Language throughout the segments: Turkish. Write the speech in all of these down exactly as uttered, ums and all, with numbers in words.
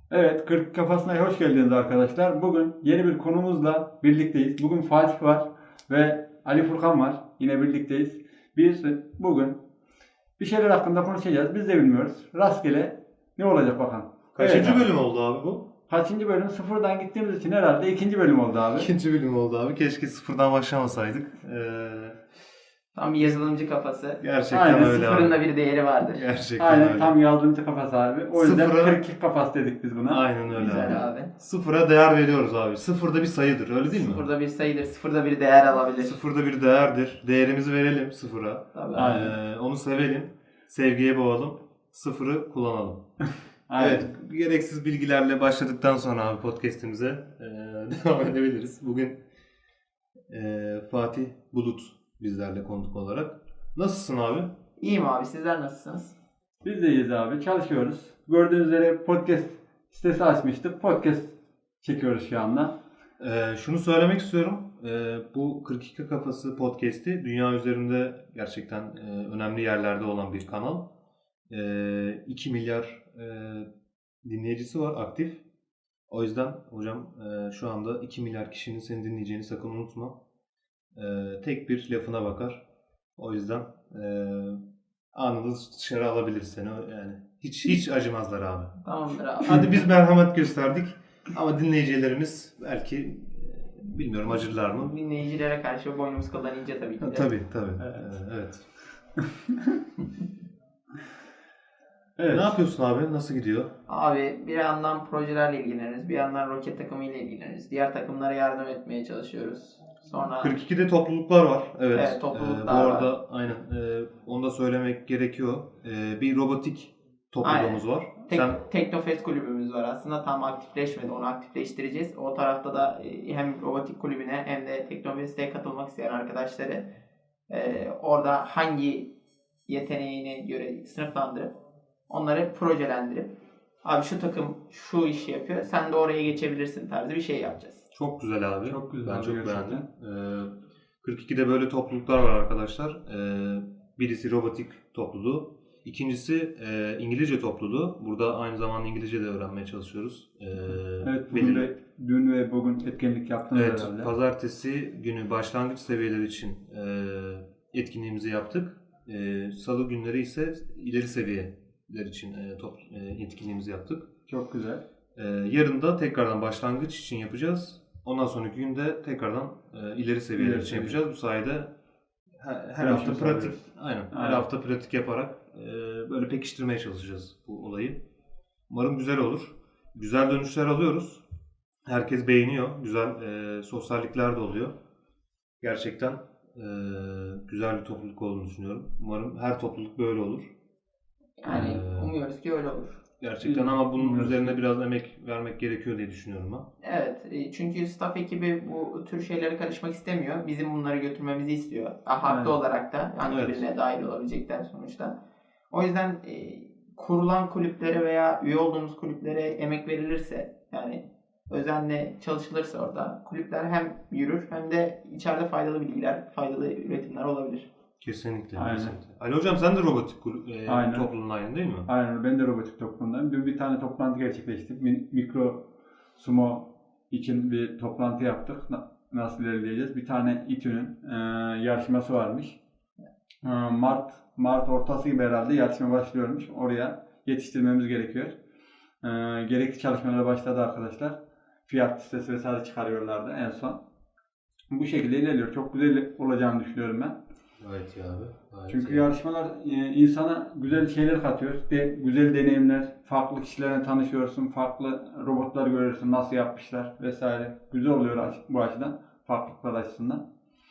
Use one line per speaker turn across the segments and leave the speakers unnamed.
Evet, kırk Kafasına hoş geldiniz arkadaşlar. Bugün yeni bir konumuzla birlikteyiz. Bugün Fatih var ve Ali Furkan var. Yine birlikteyiz. Biz bugün bir şeyler hakkında konuşacağız. Biz de bilmiyoruz. Rastgele ne olacak bakalım.
Kaçıncı
Evet abi.
bölüm oldu abi bu?
Kaçıncı bölüm? Sıfırdan gittiğimiz için herhalde ikinci bölüm oldu abi.
İkinci bölüm oldu abi. Keşke sıfırdan başlamasaydık. Ee,
Tam bir yazılımcı kafası.
gerçekten
Aynen,
öyle
Sıfırın da
abi.
bir değeri vardır.
Gerçekten
Aynen
öyle.
tam yazılımcı kafası abi. O yüzden
Sıfıra-
kırk iki kafası dedik biz buna.
Aynen öyle
Güzel
abi.
abi.
Sıfıra değer veriyoruz abi. Sıfırda bir sayıdır öyle değil mi?
Sıfırda bir sayıdır, sıfırda bir değer alabilir.
Sıfırda bir değerdir. Değerimizi verelim sıfıra.
Tabii.
Aynen.
Ee, onu sevelim. Sevgiye boğalım. Sıfırı kullanalım.
Aynen.
Evet, gereksiz bilgilerle başladıktan sonra abi podcast'imize e, devam edebiliriz. Bugün e, Fatih Bulut bizlerle konuk olarak. Nasılsın abi?
İyiyim abi, sizler nasılsınız?
Biz de iyiyiz abi. Çalışıyoruz. Gördüğünüz üzere podcast sitesi açmıştık. Podcast çekiyoruz şu anda.
Ee, şunu söylemek istiyorum. Ee, bu kırk iki Kafası podcast'i dünya üzerinde gerçekten e, önemli yerlerde olan bir kanal. Ee, iki milyar e, dinleyicisi var aktif. O yüzden hocam e, şu anda iki milyar kişinin seni dinleyeceğini sakın unutma. Ee, tek bir lafına bakar. O yüzden e, anında dışarı alabilir seni. Yani hiç hiç acımazlar abi.
Tamamdır abi.
Hadi biz merhamet gösterdik ama dinleyicilerimiz belki e, bilmiyorum acırlar mı?
Dinleyicilere karşı boynumuz kıldan ince tabii ki de.
Ha, tabii tabii.
Evet.
Ee, evet.
Evet.
Ne yapıyorsun abi? Nasıl gidiyor?
Abi bir yandan projelerle ilgileniyoruz, bir yandan roket takımıyla ilgileniyoruz. Diğer takımlara yardım etmeye çalışıyoruz. Sonra
kırk ikide topluluklar var. Evet.
Evet, topluluklar
Ee, bu arada aynen e, onu da söylemek gerekiyor. E, bir robotik topluluğumuz var.
Tek,
Sen
Teknofest kulübümüz var aslında, tam aktifleşmedi, onu aktifleştireceğiz. O tarafta da e, hem robotik kulübüne hem de Teknofest'e katılmak isteyen arkadaşları e, orada hangi yeteneğine göre sınıflandırıp onları projelendirip abi şu takım şu işi yapıyor, sen de oraya geçebilirsin tarzı bir şey yapacağız.
çok güzel abi.
Çok güzel
Ben
abi,
çok
gerçekten.
beğendim. Ee, kırk ikide böyle topluluklar var arkadaşlar. Ee, birisi robotik topluluğu. İkincisi e, İngilizce topluluğu. Burada aynı zamanda İngilizce de öğrenmeye çalışıyoruz. Ee,
Evet, bugün
belirli-
ve, dün ve bugün etkinlik yaptınız
Evet,
herhalde.
pazartesi günü başlangıç seviyeleri için e, etkinliğimizi yaptık. E, Salı günleri ise ileri seviyeler için e, top, e, etkinliğimizi yaptık.
Çok güzel.
E, yarın da tekrardan başlangıç için yapacağız. Ondan sonraki günde tekrardan e, ileri seviyeler
İleri
için
seviye.
yapacağız. Bu sayede her, her
Gelişme
hafta pratik,
sağlıyoruz.
aynen, her
Aynen.
hafta pratik yaparak e, böyle pekiştirmeye çalışacağız bu olayı. Umarım güzel olur. Güzel dönüşler alıyoruz. Herkes beğeniyor. Güzel e, sosyallikler de oluyor. Gerçekten e, güzel bir topluluk olduğunu düşünüyorum. Umarım her topluluk böyle olur.
Yani
Ee,
umuyoruz ki öyle olur.
Gerçekten ama bunun
Umuyoruz.
üzerine biraz emek vermek gerekiyor diye düşünüyorum ben.
Evet, e, çünkü staff ekibi bu tür şeylere karışmak istemiyor. Bizim bunları götürmemizi istiyor. Ha, haklı
Evet.
olarak da hangi
Evet.
birine dahil olabilecekler sonuçta. O yüzden e, kurulan kulüplere veya üye olduğumuz kulüplere emek verilirse, yani özenle çalışılırsa orada kulüpler hem yürür hem de içeride faydalı bilgiler, faydalı üretimler olabilir.
Kesinlikle.
Aynen.
kesinlikle. Ali hocam sen de robotik kul- e,
Aynen.
topluluğundayım değil mi?
Aynen, ben de robotik toplumundayım. Dün bir tane toplantı gerçekleştik. Mi- Mikro sumo için bir toplantı yaptık. Na- Nasıl ilerleyeceğiz? Bir tane İTÜ'nün e, yarışması varmış. E, Mart Mart ortası gibi herhalde yarışma başlıyormuş. Oraya yetiştirmemiz gerekiyor. E, gerekli çalışmalara başladı arkadaşlar. Fiyat listesi vesaire çıkarıyorlardı en son. Bu şekilde ilerliyor. Çok güzel olacağını düşünüyorum ben.
Gayet iyi abi. Gayet
Çünkü
iyi.
yarışmalar e, insana güzel şeyler katıyor. De, güzel deneyimler, farklı kişilerle tanışıyorsun, farklı robotlar görüyorsun, nasıl yapmışlar vesaire. Güzel oluyor aç- bu açıdan, farklılıklar açısından.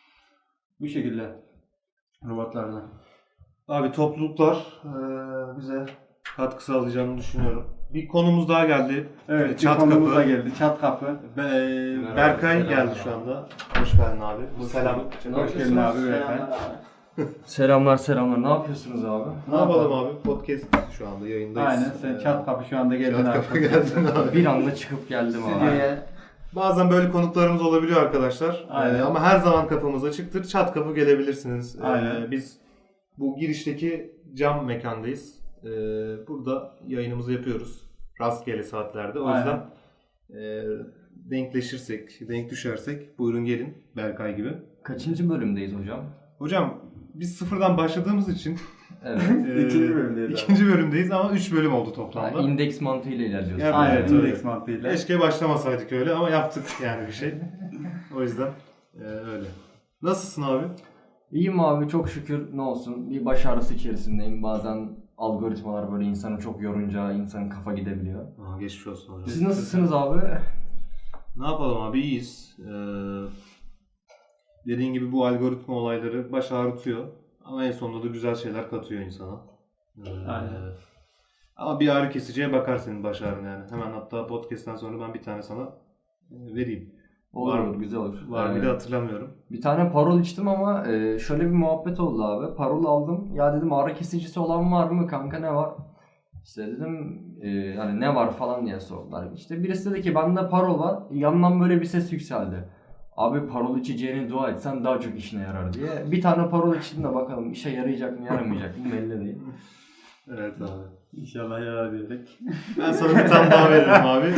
Bu şekilde robotlarla.
Abi topluluklar e, bize katkı sağlayacağını düşünüyorum. Bir konumuz daha geldi.
Evet,
Çat
bir konumuz da
kapı.
geldi. Çat kapı.
Be-
Merhaba,
Berkay
selam.
geldi şu anda. Hoş geldin abi. Selam.
Hoş geldin abi.
Selamlar
Beyefendi.
abi.
Selamlar selamlar. Ne yapıyorsunuz abi?
Ne yapalım abi? Podcast şu anda yayındayız.
Aynen, sen
Ee,
çat kapı şu anda geldin
Çat
abi.
kapı geldin abi.
Bir anda çıkıp geldim abi.
Stüdyoya
Bazen böyle konuklarımız olabiliyor arkadaşlar.
Aynen.
Ee, ama her zaman kapımız açıktır. Çat kapı gelebilirsiniz. Ee,
Aynen.
biz bu girişteki cam mekandayız. Ee, burada yayınımızı yapıyoruz. rastgele saatlerde. O
Aynen.
yüzden e, denkleşirsek, denk düşersek buyurun gelin Berkay gibi.
Kaçıncı bölümdeyiz hocam?
Hocam biz sıfırdan başladığımız için
Evet.
e,
İkinci bölümdeyiz abi.
ikinci bölümdeyiz ama üç bölüm oldu
Yani
toplamda.
indeks mantığıyla ilerliyoruz.
Evet,
Aynen,
evet,
indeks
öyle.
mantığıyla.
Keşke başlamasaydık öyle ama yaptık yani bir şey. O yüzden e, öyle. Nasılsın abi?
İyiyim abi, çok şükür, ne olsun. Bir baş ağrısı içerisindeyim. Bazen algoritmalar böyle insanı çok yorunca insanın kafa gidebiliyor.
Aa, geçmiş olsun hocam.
Siz nasılsınız abi?
Ne yapalım abi, iyiyiz. Ee, dediğin gibi bu algoritma olayları baş ağrıtıyor. Ama en sonunda da güzel şeyler katıyor insana. Ee,
Aynen.
Ama bir ağrı kesiciye bakar senin baş ağrın yani. Hemen hatta podcast'ten sonra ben bir tane sana e, vereyim.
Olur
Var-
olur, güzel olur.
Var bir
Ee,
de hatırlamıyorum.
Bir tane parol içtim ama e, şöyle bir muhabbet oldu abi. Parol aldım. Ya dedim ağrı kesicisi olan var mı kanka, ne var? İşte dedim e, hani ne var falan diye sordular. İşte birisi dedi ki bende parol var. Yandan böyle bir ses yükseldi. Abi parol içeceğine dua etsen daha çok işine yarar diye. Bir tane parol içtim de bakalım işe yarayacak mı yaramayacak mı belli değil.
Evet abi.
İnşallah yarar diyerek.
Ben sana bir tane daha veririm abi.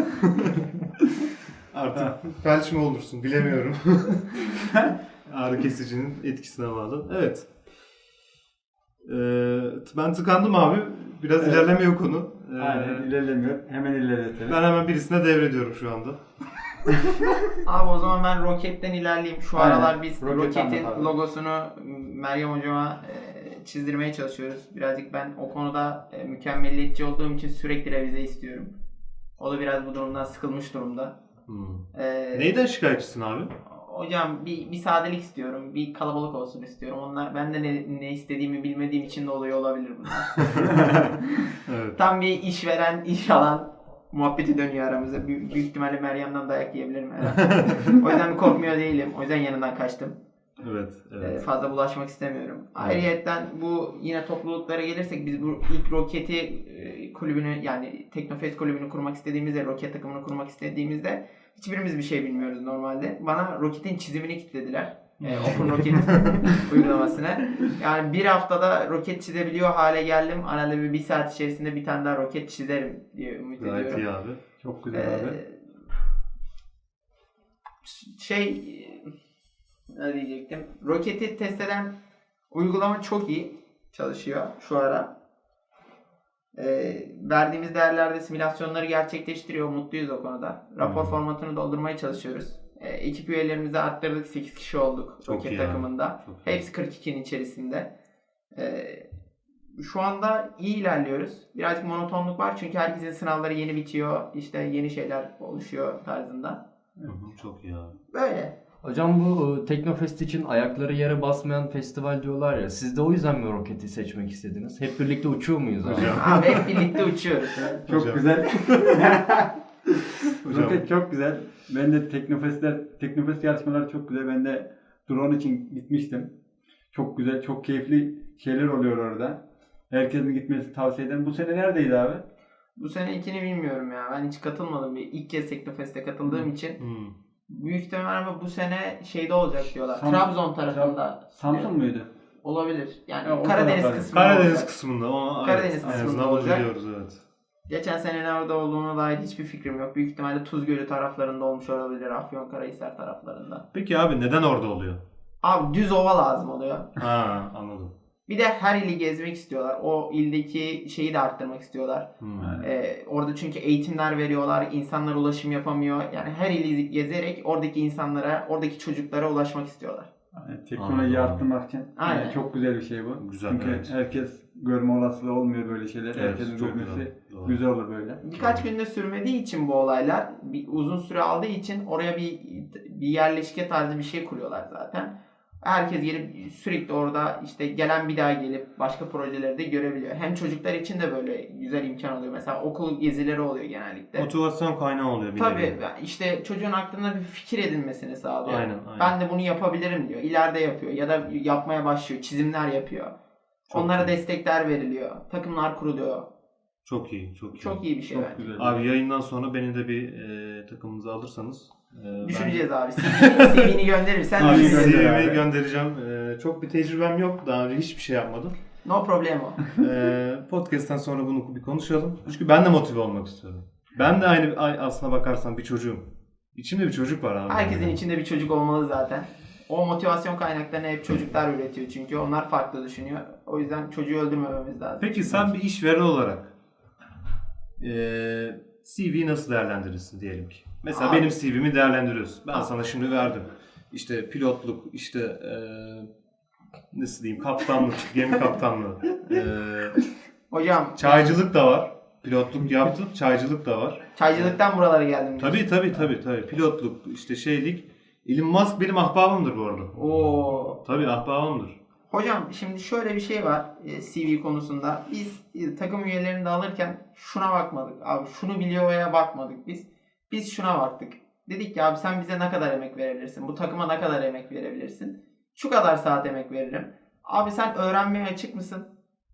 Artık felç mi olursun bilemiyorum. Ağrı kesicinin etkisine bağlı. Evet. Ee, ben tıkandım abi. Biraz
Evet.
ilerlemiyor konu. Ee,
Aynen, ilerlemiyor. Hemen ilerletelim.
Ben hemen birisine devrediyorum şu anda.
Abi o zaman ben Rocket'ten ilerleyeyim. Şu
Aynen.
aralar biz
Rocket
Rocket'in
anlat abi.
logosunu Meryem hocama e, çizdirmeye çalışıyoruz. Birazcık ben o konuda e, mükemmeliyetçi olduğum için sürekli revize istiyorum. O da biraz bu durumdan sıkılmış durumda.
Hmm.
E,
Neyden şikayetçisin abi?
Hocam bir, bir sadelik istiyorum. Bir kalabalık olsun istiyorum. Onlar ben de ne, ne istediğimi bilmediğim için de oluyor olabilir bunlar.
Evet.
Tam bir işveren, iş alan muhabbeti dönüyor aramızda. Büyük, büyük ihtimalle Meryem'den dayak yiyebilirim herhalde. O yüzden bir korkmuyor değilim. O yüzden yanından kaçtım.
Evet.
Ee,
Evet.
fazla bulaşmak istemiyorum. Ayrıyetten bu yine topluluklara gelirsek biz bu ilk Roket'i e, kulübünü yani Teknofest kulübünü kurmak istediğimizde, Roket takımını kurmak istediğimizde hiçbirimiz bir şey bilmiyoruz normalde. Bana Roket'in çizimini kilitlediler. E, Open Rocket uygulamasına. Yani bir haftada roket çizebiliyor hale geldim. Herhalde bir, bir saat içerisinde bir tane daha roket çizerim diye ümit
Gayet
ediyorum.
iyi abi.
Çok güzel
Ee,
abi.
şey ne diyecektim? Roketi test eden uygulama çok iyi çalışıyor şu ara. Ee, verdiğimiz değerlerde simülasyonları gerçekleştiriyor. Mutluyuz o konuda. Rapor
Hmm.
formatını doldurmaya çalışıyoruz. Ee, ekip üyelerimizi arttırdık. sekiz kişi olduk
Çok
Roket
iyi abi.
takımında.
Çok iyi.
Hepsi kırk ikinin içerisinde. Ee, şu anda iyi ilerliyoruz. Birazcık monotonluk var çünkü herkesin sınavları yeni bitiyor. İşte yeni şeyler oluşuyor tarzında.
Hı hı, çok iyi abi.
Böyle.
Hocam bu e, Teknofest için ayakları yere basmayan festival diyorlar ya. Siz de o yüzden mi roketi seçmek istediniz? Hep birlikte uçuyor muyuz abi?
Hocam.
Abi hep birlikte uçuyoruz.
Çok
Hocam.
güzel.
Hocam.
Roket çok güzel. Ben de Teknofest'ler, Teknofest yarışmaları çok güzel. Ben de drone için gitmiştim. Çok güzel, çok keyifli şeyler oluyor orada. Herkesin gitmesi tavsiye ederim. Bu sene neredeydi abi?
Bu sene ikini bilmiyorum ya. Ben hiç katılmadım. Bir ilk kez Teknofest'e katıldığım için.
Hmm.
Büyük ihtimal ama bu sene şeyde olacak diyorlar.
Sam-
Trabzon tarafında.
Samsun muydu?
Olabilir. Yani
Ya, o
Karadeniz
taraflar.
kısmında
Karadeniz
olacak.
kısmında ama
Karadeniz
evet, en
kısmında
azından bunu
olacak.
biliyoruz evet.
Geçen sene nerede olduğuna dair hiçbir fikrim yok. Büyük ihtimalle Tuzgölü taraflarında olmuş olabilir. Afyonkarahisar taraflarında.
Peki abi neden orada oluyor?
Abi düz ova lazım oluyor.
Ha anladım.
Bir de her ili gezmek istiyorlar. O ildeki şeyi de arttırmak istiyorlar.
Hmm.
Yani.
Ee, orada çünkü eğitimler veriyorlar. İnsanlar ulaşım yapamıyor. Yani her ili gezerek oradaki insanlara, oradaki çocuklara ulaşmak istiyorlar.
Yani teknolojiyi
Anladım.
arttırmak için
Aynen.
yani çok güzel bir şey bu.
Güzel,
Çünkü
evet.
herkes görme olasılığı olmuyor böyle şeyler.
Evet,
Herkesin
çok
görmesi
güzel. Doğru.
güzel olur böyle.
Birkaç günde sürmediği için bu olaylar, bir uzun süre aldığı için oraya bir bir yerleşke tarzı bir şey kuruyorlar zaten. Herkes gelip sürekli orada işte gelen bir daha gelip başka projeleri de görebiliyor. Hem çocuklar için de böyle güzel imkan oluyor. Mesela okul gezileri oluyor genellikle.
Motivasyon kaynağı oluyor bir
Tabii
nevi.
işte çocuğun aklında bir fikir edinmesini sağlıyor.
Aynen, aynen.
Ben de bunu yapabilirim diyor. İleride yapıyor ya da yapmaya başlıyor. Çizimler yapıyor.
Çok
Onlara
iyi.
destekler veriliyor. Takımlar kuruluyor.
Çok iyi, çok iyi.
Çok iyi bir şey
Çok
bence.
güzel.
Abi yayından sonra beni de bir e, takımınıza alırsanız. e,
Düşüneceğiz abi. C V'ni gönderirsen
Abi
Ben
düşünürüz.
gönder
C V'yi
abi.
göndereceğim. E, çok bir tecrübem yok. Daha önce hiçbir şey yapmadım.
No problemo.
Ee, podcast'ten sonra bunu bir konuşalım. Çünkü ben de motive olmak istiyorum. Ben de aynı ay- aslına bakarsan bir çocuğum. İçimde bir çocuk var abi.
Herkesin içinde bir çocuk olmalı zaten. O motivasyon kaynaklarını hep çocuklar üretiyor çünkü onlar farklı düşünüyor. O yüzden çocuğu öldürmememiz lazım.
Peki sen bir işveren olarak ee, C V'yi nasıl değerlendirirsin diyelim ki? Mesela
Abi.
benim C V'mi değerlendiriyorsun. Ben
Abi.
sana şimdi verdim. İşte pilotluk, işte ee, nasıl diyeyim, kaptanlık, gemi kaptanlığı. Ee,
Hocam
çaycılık da var. Pilotluk yaptım, çaycılık da var.
çaycılıktan buralara geldim.
Tabii tabii tabii tabii. Pilotluk, işte şeylik. Elon Musk benim ahbabımdır bu arada.
Oo.
Tabii ahbabımdır.
Hocam şimdi şöyle bir şey var e, C V konusunda. Biz e, takım üyelerini de alırken şuna bakmadık. Abi şunu biliyor veya bakmadık biz. Biz şuna baktık. Dedik ki abi sen bize ne kadar emek verebilirsin? Bu takıma ne kadar emek verebilirsin? Şu kadar saat emek veririm. Abi sen öğrenmeye açık mısın?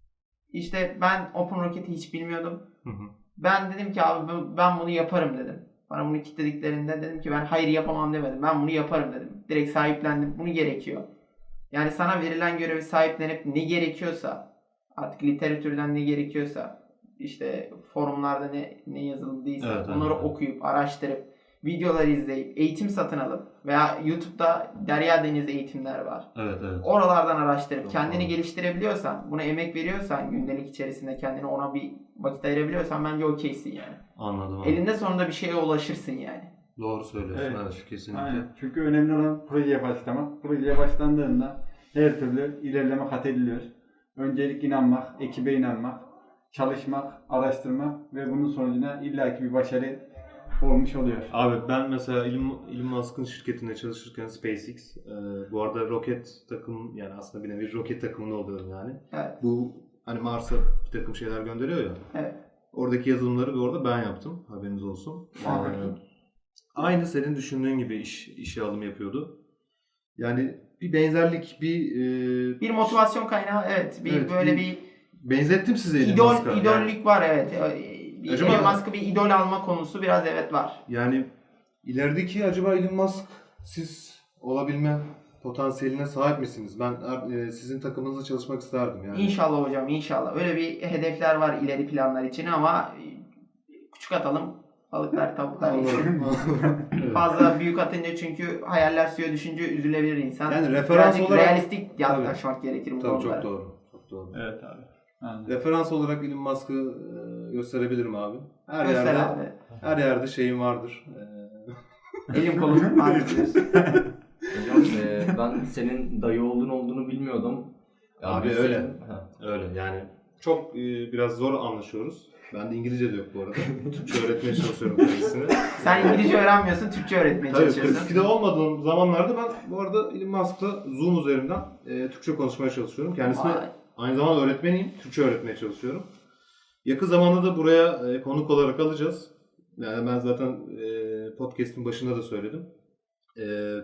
İşte ben OpenRocket'i hiç bilmiyordum.
Hı hı.
Ben dedim ki abi ben bunu yaparım dedim. Bana bunu kitlediklerinde dedim ki ben hayır yapamam demedim. Ben bunu yaparım dedim. Direkt sahiplendim. Bunu gerekiyor. Yani sana verilen görevi sahiplenip ne gerekiyorsa, artık literatürden ne gerekiyorsa, işte forumlarda ne ne yazıldıysa
Evet,
onları
evet.
okuyup, araştırıp, videolar izleyip, eğitim satın alıp veya YouTube'da Derya Deniz eğitimler var.
Evet evet.
Oralardan araştırıp
Çok
kendini
doğru.
geliştirebiliyorsan, buna emek veriyorsan, gündelik içerisinde kendine ona bir vakit ayırabiliyorsan bence okeysin yani.
Anladım. Abi.
Elinde sonunda bir şeye ulaşırsın yani.
Doğru söylüyorsun.
Evet.
Evet, kesinlikle.
Aynen. Çünkü önemli olan projeye başlamak. Projeye başlandığında her türlü ilerleme kat ediliyor. Öncelik inanmak, ekibe inanmak, çalışmak, araştırmak ve bunun sonucunda illaki bir başarı olmuş oluyor.
Abi ben mesela Elon, Elon Musk'ın şirketinde çalışırken SpaceX, e, bu arada roket takım, yani aslında bir nevi roket takımında oluyorum yani.
Evet.
Bu hani Mars'a bir takım şeyler gönderiyor ya.
Evet.
Oradaki yazılımları da orada ben yaptım. Haberiniz olsun.
Aa.
Ee, aynı senin düşündüğün gibi iş işe alım yapıyordu. Yani bir benzerlik, bir e,
Bir motivasyon kaynağı evet. Bir
Evet,
böyle
bir-
bir
benzettim size Elon
idol
Musk'a. Yani-
idollük var evet. Ee, Bir
Acaba-
Elon Musk'ı bir idol alma konusu biraz evet var.
Yani ilerideki acaba Elon Musk siz olabilme potansiyeline sahip misiniz? Ben e, sizin takımınızda çalışmak isterdim yani.
İnşallah hocam inşallah. Öyle bir hedefler var ileri planlar için ama e, küçük atalım. Balıklar tavuklar yesin.
Anladım. Evet.
Fazla büyük atınca çünkü hayaller suya düşünce üzülebilir insan.
Yani referans
Birazcık
olarak-
realistik yaklaşmak gerekir bu
Tabii
konulara.
çok doğru. Çok doğru.
Evet abi. Aynen.
Referans olarak Elon Musk'ı e, gösterebilirim abi. Her
Göster
yerde
abi.
her yerde şeyim vardır. E,
Elim kolum vardır.
Hocam e, ben senin dayı olduğunu olduğunu bilmiyordum. Ya
Abi
biz
öyle.
senin- Ha.
öyle yani çok e, biraz zor anlaşıyoruz. Ben de İngilizce de yok bu arada. Türkçe öğretmeye çalışıyorum kendisine.
Sen İngilizce öğrenmiyorsun, Türkçe öğretmeye
Tabii
çalışıyorsun.
kırk ikide olmadığım zamanlarda ben bu arada Elon Musk'la Zoom üzerinden e, Türkçe konuşmaya çalışıyorum. Kendisine
Vay.
aynı zamanda öğretmeniyim. Türkçe öğretmeye çalışıyorum. Yakın zamanda da buraya e, konuk olarak alacağız. Yani ben zaten e, podcast'in başında da söyledim. E,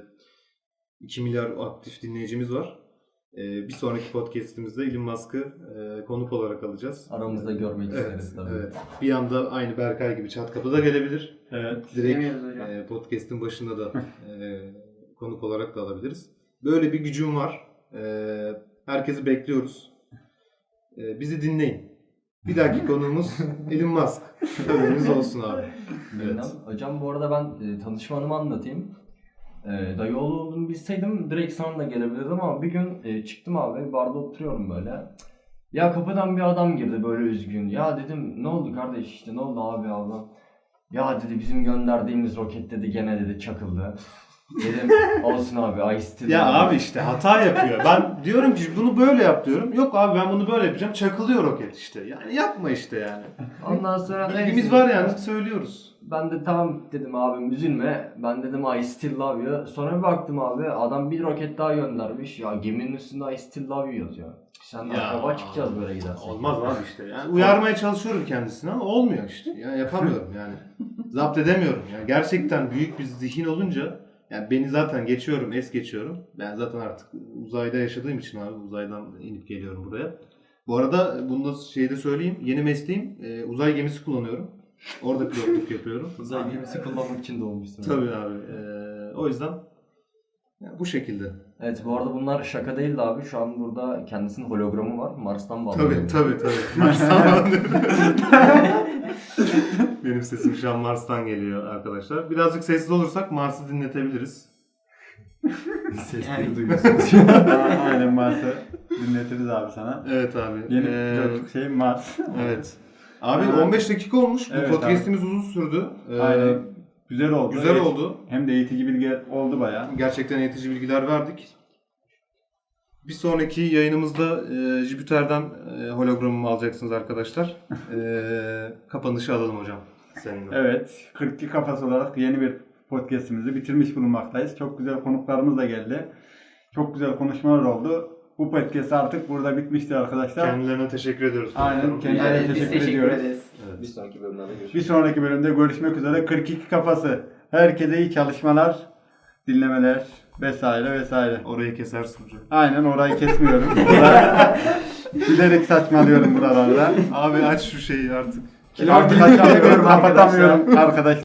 iki milyar aktif dinleyicimiz var. E, bir sonraki podcast'imizde Elon Musk'ı e, konuk olarak alacağız.
Aramızda görmek
Evet,
isteriz tabii.
evet. Bir anda aynı Berkay gibi çat kapıda gelebilir.
Evet.
Direkt
Demiyoruz hocam.
e, podcast'in başında da e, konuk olarak da alabiliriz. Böyle bir gücüm var. E, herkesi bekliyoruz. E, bizi dinleyin. Bir dahaki konuğumuz Elon Musk. Haberiniz olsun abi.
Bilmem. Hocam bu arada ben e, tanışma anımı anlatayım. E, dayı oğlu olduğunu bilseydim direkt sana da gelebilirdim ama bir gün e, çıktım abi barda oturuyorum böyle. Ya kapıdan bir adam girdi böyle üzgün. Ya dedim ne oldu kardeş işte ne oldu abi abi. Ya dedi bizim gönderdiğimiz roket dedi gene dedi çakıldı. Dedim olsun abi Ice Tea
Ya
dedi.
abi işte hata yapıyor. Ben diyorum ki bunu böyle yap diyorum. Yok abi ben bunu böyle yapacağım. Çakılıyor roket işte. Yani yapma işte yani.
Ondan sonra
Bilgimiz
neyse.
var yani söylüyoruz.
Ben de tamam dedim abim üzülme. Ben dedim I still love you. Sonra bir baktım abi adam bir roket daha göndermiş. Ya geminin üstünde I still love you yazıyor. Sen de
Ya.
akraba çıkacağız böyle gidersek.
Olmaz abi işte. Yani uyarmaya çalışıyorum kendisine ama olmuyor işte. Yani yapamıyorum yani. Zapt edemiyorum. Yani gerçekten büyük bir zihin olunca yani beni zaten geçiyorum, es geçiyorum. Ben zaten artık uzayda yaşadığım için abi uzaydan inip geliyorum buraya. Bu arada bunu da şeyde söyleyeyim. Yeni mesleğim e, uzay gemisi kullanıyorum. Orada pilotluk yapıyorum.
Uzay gemisi kullanmak için doğmuşsun.
Tabii abi. E, o yüzden Yani bu şekilde.
Evet, bu arada bunlar şaka değildi abi. Şu an burada kendisinin hologramı var. Mars'tan bağlanıyor.
Tabii tabii tabii. Mars'tan Benim sesim şu an Mars'tan geliyor arkadaşlar. Birazcık sessiz olursak Mars'ı dinletebiliriz.
Sesleri
Yani-
duyuyorsunuz.
Aynen Mars'ı dinletiriz abi sana.
Evet abi.
Yeni
Ee,
çocuk şey Mars.
evet. Abi
Ee,
on beş dakika olmuş. Bu
evet
podcast'imiz uzun sürdü. Ee,
Aynen. Güzel oldu.
Güzel
Evet.
oldu.
Hem de eğitici bilgi oldu bayağı.
Gerçekten eğitici bilgiler verdik. Bir sonraki yayınımızda e, Jüpiter'den e, hologramımı alacaksınız arkadaşlar. E, kapanışı alalım hocam. Seninle.
Evet. kırk iki kafası olarak yeni bir podcast'imizi bitirmiş bulunmaktayız. Çok güzel konuklarımız da geldi. Çok güzel konuşmalar oldu. Bu podcast artık burada bitmiştir arkadaşlar.
Kendilerine teşekkür ediyoruz.
Aynen, kendilerine
Yani biz
teşekkür
teşekkür
ediyoruz.
ederiz.
Evet.
Bir sonraki bölümlerde görüşürüz.
Bir sonraki bölümde görüşmek üzere. kırk iki kafası. Herkese iyi çalışmalar, dinlemeler vesaire vesaire.
Orayı kesersin hocam.
Aynen, orayı kesmiyorum. Burada bilerek saçmalıyorum buralarda.
Abi aç şu şeyi artık.
Artık açamıyorum,
Kapatamıyorum
kapatamıyorum arkadaşlar.